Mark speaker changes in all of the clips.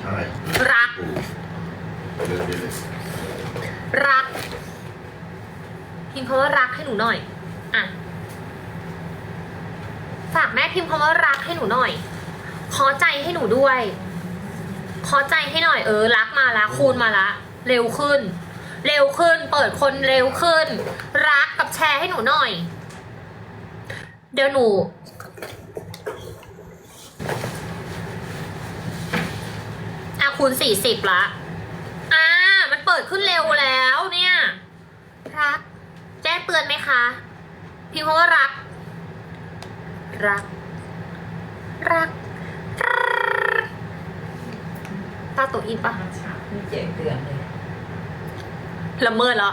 Speaker 1: อะไร
Speaker 2: รัก
Speaker 1: เลือกได้เลย
Speaker 2: รักพิมพ์คำว่ารักให้หนูหน่อยอ่ะฝากแม่พิมพ์คำว่ารักให้หนูหน่อยขอใจให้หนูด้วยขอใจให้หน่อยรักมาละคูณมาละเร็วขึ้น เร็วขึ้น เปิดคนเร็วขึ้น รักกับแชร์ให้หนูหน่อย เดี๋ยวหนูคูณ40ละมันเปิดขึ้นเร็วแล้วเนี่ยรักแจ้งเตือนไหมคะพิมพ์คำว่ารักรักตาตัวอินปะ
Speaker 3: มีแจ้งเตือนเลย
Speaker 2: ละเมิดแล้ว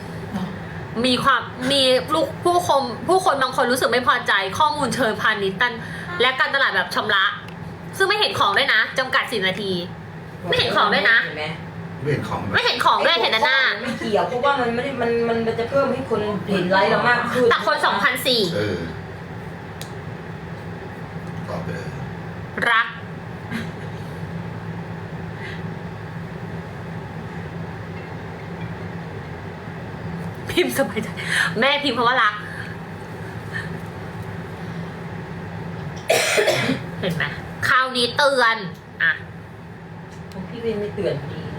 Speaker 2: มีลูกผู้คนบางคนรู้สึกไม่พอใจข้อมูลเชิงพาณิชย์และการตลาดแบบชำระซึ่งไม่เห็นของด้วยนะจำกัด10 นาทีไม่เห็นของด้วยนะ
Speaker 3: เห็นไหม
Speaker 1: ไม่เห็นของ
Speaker 2: ไม่เห็นของด้วยเห็นแต่หน้า
Speaker 3: ไม่เกี่ยวเพราะว่ามันไม่ได้มันจะเพิ่มให้คนเห็นไลค์เรามากขึ้น
Speaker 2: แต่คน2,400
Speaker 1: ตอบไปเลย
Speaker 2: รักพิมพ์สบายใจแม่พิมพ์คำว่ารัก เห็นไหมคราวนี้เตือนอ่ะ
Speaker 3: ผมพี่เวนไม่เตือนดีนะ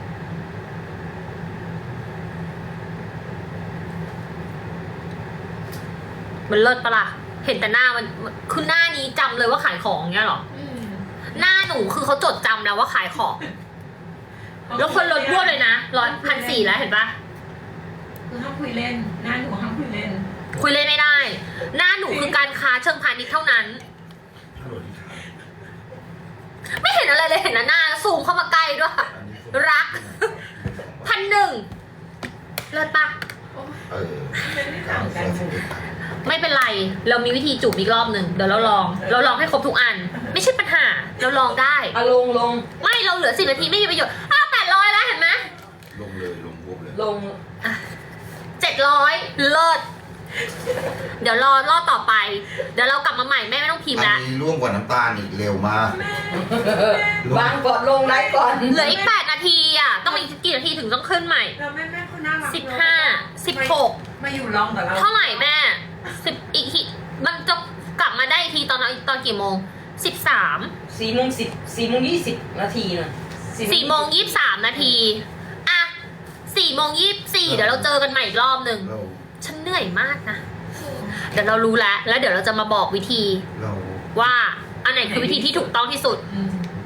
Speaker 2: มันเลิศปะล่ะเห็นแต่หน้ามันคือหน้านี้จำเลยว่าขายของเงี้ยหรอหน้าหนูคือเขาจดจำแล้วว่าขายของ แล้วคนลดบ้วเลยนะ1,400แล้วเห็นปะ
Speaker 4: คือห้ามคุยเล่นหน้าหนูห้ามคุยเล่น
Speaker 2: คุยเล่นไม่ได้ หน้าหนูคือการค้าเชิงพาณิชย์เท่านั้น
Speaker 1: ถ้าโหลดที่ขาย
Speaker 2: ไม่เห็นอะไรเลยเห็นแต่หน้าซูมเข้ามาใกล้ด้วย รัก1,100เลิศปะ
Speaker 4: ไม่ต่างกัน
Speaker 2: ไม่เป็นไร เรามีวิธีจูบอีกรอบหนึ่งเดี๋ยวเราลองให้ครบทุกอัน ไม่ใช่ปัญหา เราลองได้
Speaker 3: ลง
Speaker 2: ไม่เราเหลือ10 นาทีไม่มีประโยชน์800แล้วเห็นไหม
Speaker 1: ลงเลยลงปุ๊บเลย
Speaker 3: ลง
Speaker 2: 700เลิศเดี๋ยวรอบต่อไป เดี๋ยวเรากลับมาใหม่แม่ไม่ต้องพิมพ์
Speaker 1: อั
Speaker 2: แล้ว
Speaker 1: นนี้ร่วงกว่าน้ำตาลอีกเร็วมาก
Speaker 3: วางก่อนลงไลค์ก่อน
Speaker 2: เหลืออีก8 นาทีอ่ะต้องอีกกี่นาทีถึงต้องขึ้นใหม่
Speaker 4: เราแม่เขาน่ารัก
Speaker 2: 15
Speaker 4: มาอยู่รองกับเรา
Speaker 2: 16เท่าไหร่แม่10อีกทีมันจะกลับมาได้อีกทีตอนกี่โมง13
Speaker 3: 4:20นาทีนะ
Speaker 2: 4:23 นาทีอ่ะ4:24เดี๋ยวเราเจอกันใหม่อีกรอบหนึ่ง
Speaker 1: เรา
Speaker 2: ฉันเหนื่อยมากนะเดี๋ยวเรารู้แล้วเดี๋ยวเราจะมาบอกวิธี
Speaker 1: เรา
Speaker 2: ว่าอันไหนคือวิธีที่ถูกต้องที่สุด
Speaker 4: อืม